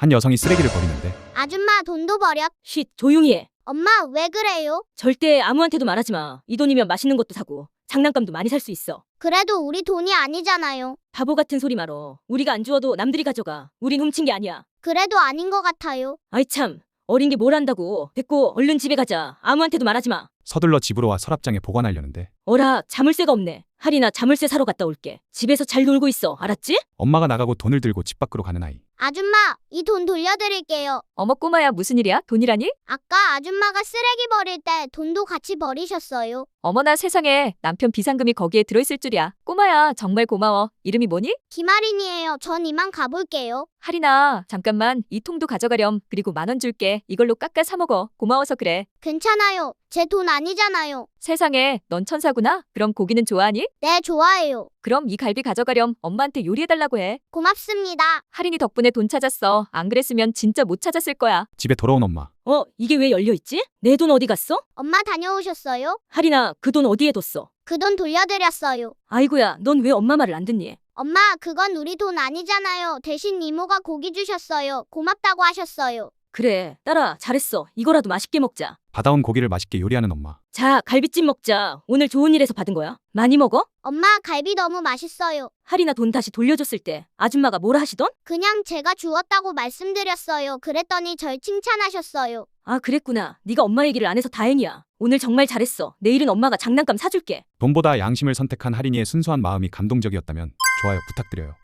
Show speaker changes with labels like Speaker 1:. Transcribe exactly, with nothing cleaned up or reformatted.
Speaker 1: 한 여성이 쓰레기를 버리는데
Speaker 2: 아줌마 돈도 버려.
Speaker 3: 쉿, 조용히 해.
Speaker 2: 엄마 왜 그래요?
Speaker 3: 절대 아무한테도 말하지 마. 이 돈이면 맛있는 것도 사고 장난감도 많이 살 수 있어.
Speaker 2: 그래도 우리 돈이 아니잖아요.
Speaker 3: 바보 같은 소리 말어. 우리가 안 주워도 남들이 가져가. 우린 훔친 게 아니야.
Speaker 2: 그래도 아닌 것 같아요.
Speaker 3: 아이 참, 어린 게 뭘 안다고. 됐고 얼른 집에 가자. 아무한테도 말하지 마.
Speaker 1: 서둘러 집으로 와 서랍장에 보관하려는데
Speaker 3: 어라, 자물쇠가 없네. 할인아, 자물쇠 사러 갔다 올게. 집에서 잘 놀고 있어. 알았지?
Speaker 1: 엄마가 나가고 돈을 들고 집 밖으로 가는 아이.
Speaker 2: 아줌마, 이 돈 돌려드릴게요.
Speaker 4: 어머 꼬마야 무슨 일이야? 돈이라니?
Speaker 2: 아까 아줌마가 쓰레기 버릴 때 돈도 같이 버리셨어요.
Speaker 4: 어머나 세상에 남편 비상금이 거기에 들어있을 줄이야. 꼬마야 정말 고마워. 이름이 뭐니?
Speaker 2: 김아린이에요. 전 이만 가볼게요.
Speaker 4: 할인아 잠깐만 이 통도 가져가렴. 그리고 만 원 줄게. 이걸로 깎아 사 먹어. 고마워서 그래.
Speaker 2: 괜찮아요. 제 돈 아니잖아요.
Speaker 4: 세상에 넌 천사구나. 그럼 고기는 좋아하니?
Speaker 2: 네, 좋아해요.
Speaker 4: 그럼 이 갈비 가져가렴. 엄마한테 요리해달라고 해.
Speaker 2: 고맙습니다.
Speaker 4: 할인이 덕분에 돈 찾았어. 안 그랬으면 진짜 못 찾았을 거야.
Speaker 1: 집에 돌아온 엄마.
Speaker 3: 어, 이게 왜 열려있지? 내 돈 어디 갔어?
Speaker 2: 엄마 다녀오셨어요?
Speaker 3: 할인아, 그 돈 어디에 뒀어?
Speaker 2: 그 돈 돌려드렸어요.
Speaker 3: 아이고야, 넌 왜 엄마 말을 안 듣니?
Speaker 2: 엄마, 그건 우리 돈 아니잖아요. 대신 이모가 고기 주셨어요. 고맙다고 하셨어요.
Speaker 3: 그래, 딸아, 잘했어. 이거라도 맛있게 먹자.
Speaker 1: 받아온 고기를 맛있게 요리하는 엄마.
Speaker 3: 자, 갈비찜 먹자. 오늘 좋은 일에서 받은 거야. 많이 먹어?
Speaker 2: 엄마, 갈비 너무 맛있어요.
Speaker 3: 할인아 돈 다시 돌려줬을 때 아줌마가 뭐라 하시던?
Speaker 2: 그냥 제가 주었다고 말씀드렸어요. 그랬더니 절 칭찬하셨어요.
Speaker 3: 아, 그랬구나. 네가 엄마 얘기를 안 해서 다행이야. 오늘 정말 잘했어. 내일은 엄마가 장난감 사줄게.
Speaker 1: 돈보다 양심을 선택한 할인이의 순수한 마음이 감동적이었다면 좋아요 부탁드려요.